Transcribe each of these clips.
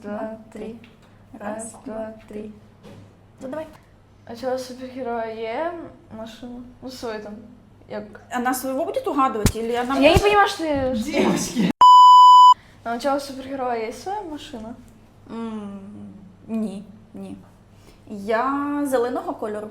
Два, три. Раз, два, три. Ну, давай. А цього супергероя є машина? Ну, свой там. Як... Она своего будет угадывать или она... Я не понимаю, что... Девочки. А у цього супергероя є своя машина? Ні, ні. Я зеленого кольору.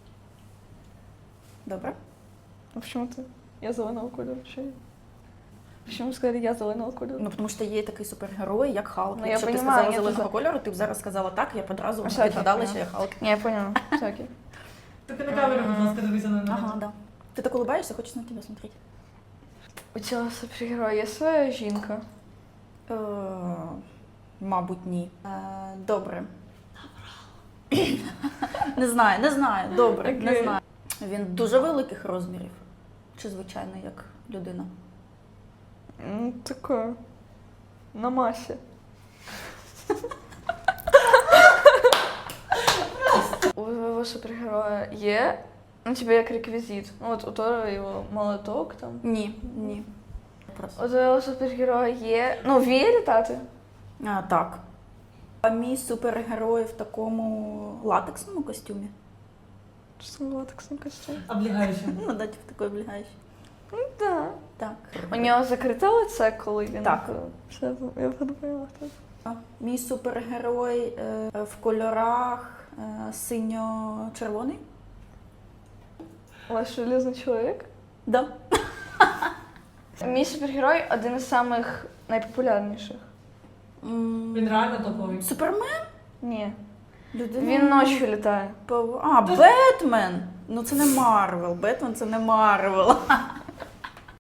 Добре. А почему ты? Я зеленого кольору. Що я? Почему сказали я зеленого кольору? Ну, тому що є такий супергерой, як Халк. Ну, я Якщо б ти понімаю, сказала я зеленого тут- кольору, ти б зараз сказала так, я б одразу А, все, відгадала, окей, що я Халк. Не, я поняла. Все окей. Только на камеру, будь ласка, дивися на мене. Ага, да. Ти так улыбаешься, хочеш на тебе смотреть. У цього супергероя є своя жінка? Мабуть, ні. Добре. Не знаю, добре, не Окей. знаю. Він дуже великих розмірів. Чи звичайно, як людина? Таке. На масі. У твоего супергероя є, ну, тебе як реквізит. Ну, от у Тора його молоток там. Ні, ні. Просто. У твоего супергероя є, ну, вміє літати? Так. А мій супергерой в такому латексному костюмі. Що це латексний костюм? Облігаючи. Ну, да, типу такий облягаючий. Да. Так. У нього закрите лице, коли він... Так. Все, я подумала, хто це. Мій супергерой в кольорах синьо-червоний. Ваш железний чоловік? Да. Мій супергерой один із самих найпопулярніших. Він реально топовий. Супермен? Ні. Людина... Він ночі літає. Бетмен! Ну це не Марвел. Бетмен це не Марвел.